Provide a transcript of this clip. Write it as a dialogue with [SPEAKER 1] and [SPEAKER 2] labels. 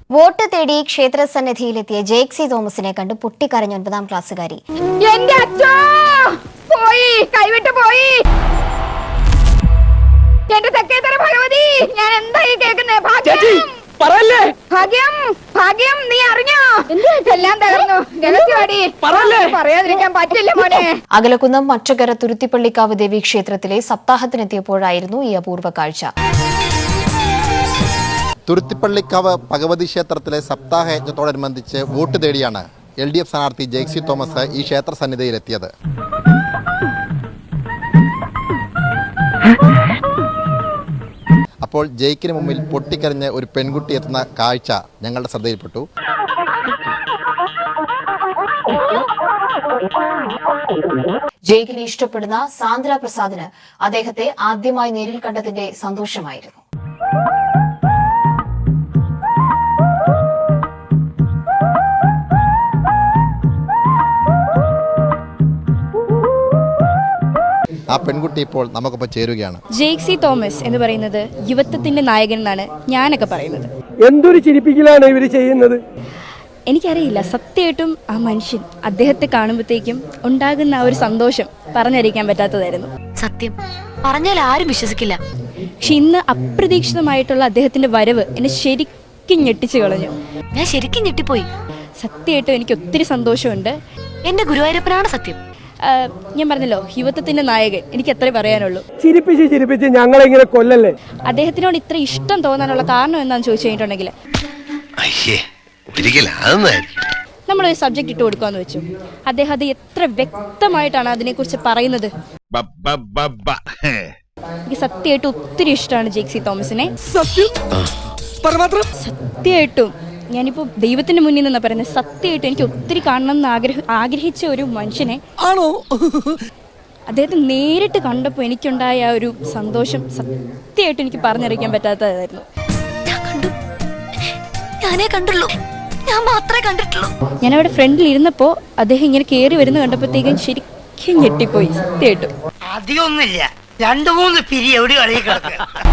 [SPEAKER 1] Vote തേടി ക്ഷേത്രസന്നിധിയിലെത്തിയ ജേക്സി തോമസിനെ കണ്ട് പൊട്ടിക്കരഞ്ഞ 9ാം ക്ലാസ്സുകാരി.
[SPEAKER 2] എന്റെ അച്ഛാ പോയി, കൈവിട്ട് പോയി. എന്റെ തെക്കേത്തര ഭഗവതി, ഞാൻ എന്തായി കേൾക്കുന്നേ? ഭാഗ്യം, ഭാഗ്യം, നീ അറിഞ്ഞോ? എല്ലാം തകർന്നു. രഹസ്യവാടി പറയാതിരിക്കാൻ പറ്റില്ല മോനെ.
[SPEAKER 1] അകലക്കുന്നം മറ്റകര തുരുത്തിപ്പള്ളിക്കാവ് ദേവി ക്ഷേത്രത്തിലെ സപ്താഹത്തിനെത്തിയപ്പോഴായിരുന്നു ഈ അപൂർവ കാഴ്ച.
[SPEAKER 3] തുരുത്തിപ്പള്ളിക്കാവ് ഭഗവതി ക്ഷേത്രത്തിലെ സപ്താഹ യജ്ഞത്തോടനുബന്ധിച്ച് വോട്ട് തേടിയാണ് LDF സ്ഥാനാർത്ഥി ജേക്സി തോമസ് ഈ ക്ഷേത്ര സന്നിധിയിലെത്തിയത്. അപ്പോൾ ജയിക്കിന് മുമ്പിൽ പൊട്ടിക്കരഞ്ഞ് ഒരു പെൺകുട്ടി എത്തുന്ന കാഴ്ച ഞങ്ങളുടെ ശ്രദ്ധയിൽപ്പെട്ടു.
[SPEAKER 1] ജയിക്കിനെ ഇഷ്ടപ്പെടുന്ന സാന്ദ്ര പ്രസാദിന് അദ്ദേഹത്തെ ആദ്യമായി നേരിൽ കണ്ടതിന്റെ സന്തോഷമായിരുന്നു.
[SPEAKER 3] ആ പെൺകുട്ടി ഇപ്പോൾ നമുക്കൊപ്പം ചേരുകയാണ്.
[SPEAKER 4] ജേക്സി തോമസ് എന്ന് പറയുന്നത് യുവത്വത്തിന്റെ നായകൻ എന്നാണ് ഞാനൊക്കെ പറയുന്നത്.
[SPEAKER 5] എന്തൊരു ചിരിപ്പിക്കലാണ് ഇവർ ചെയ്യുന്നത്.
[SPEAKER 4] എനിക്കറിയില്ല, സത്യമായിട്ടും ആ മനുഷ്യൻ അദ്ദേഹത്തെ കാണുമ്പോഴത്തേക്കും ഉണ്ടാകുന്ന ആ ഒരു സന്തോഷം പറഞ്ഞറിയിക്കാൻ പറ്റാത്തതായിരുന്നു.
[SPEAKER 6] സത്യം പറഞ്ഞാൽ ആരും വിശ്വസിക്കില്ല.
[SPEAKER 4] പക്ഷെ ഇന്ന് അപ്രതീക്ഷിതമായിട്ടുള്ള അദ്ദേഹത്തിന്റെ വരവ് എന്നെ ശരിക്കും ഞെട്ടിച്ചു കളഞ്ഞു.
[SPEAKER 6] ഞാൻ ശരിക്കും ഞെട്ടിപ്പോയി.
[SPEAKER 4] സത്യമായിട്ടും എനിക്ക് ഒത്തിരി സന്തോഷമുണ്ട്.
[SPEAKER 6] എന്റെ ഗുരുവായൂരപ്പനാണ് സത്യം.
[SPEAKER 4] ഞാൻ പറഞ്ഞല്ലോ, യുവത്വത്തിന്റെ നായകൻ. എനിക്ക് എത്ര പറയാനുള്ളൂ.
[SPEAKER 5] ചിരിപ്പിച്ച് ഞങ്ങളിങ്ങനെ കൊല്ലല്ലേ.
[SPEAKER 4] അദ്ദേഹത്തിനോട് ഇത്ര ഇഷ്ടം തോന്നാനുള്ള കാരണം എന്താണെന്ന് ചോദിച്ചു കഴിഞ്ഞിട്ടുണ്ടെങ്കിൽ നമ്മളൊരു സബ്ജക്ട് ഇട്ട് കൊടുക്കാന്ന് വെച്ചു. അദ്ദേഹം അത് എത്ര വ്യക്തമായിട്ടാണ് അതിനെക്കുറിച്ച് പറയുന്നത്. എനിക്ക് സത്യമായിട്ടും ഒത്തിരി ഇഷ്ടമാണ് ജേക്സി തോമസിനെ. സത്യമായിട്ടും ഞാനിപ്പോ ദൈവത്തിന്റെ മുന്നിൽ നിന്നാ പറയുന്നത്. സത്യമായിട്ടും എനിക്ക് ഒത്തിരി കാണണം എന്ന് ആഗ്രഹിച്ച ഒരു മനുഷ്യനെ ആണോ അദ്ദേഹത്തെ നേരിട്ട് കണ്ടപ്പോൾ എനിക്കുണ്ടായ ആ ഒരു സന്തോഷം സത്യമായിട്ടും എനിക്ക് പറഞ്ഞറിയിക്കാൻ പറ്റാത്തതായിരുന്നു.
[SPEAKER 6] ഞാനേ കണ്ടുള്ളൂ, ഞാൻ മാത്രമേ കണ്ടിട്ടുള്ളൂ.
[SPEAKER 4] ഞാനവിടെ ഫ്രണ്ടിൽ ഇരുന്നപ്പോ അദ്ദേഹം ഇങ്ങനെ കയറി വരുന്ന കണ്ടപ്പോഴത്തേക്കും ശരിക്കും ഞെട്ടിപ്പോയി. സത്യമായിട്ടും
[SPEAKER 7] അധികമൊന്നുമില്ല, 2-3 പിരി എവിടെ കളി കിടക്കുക.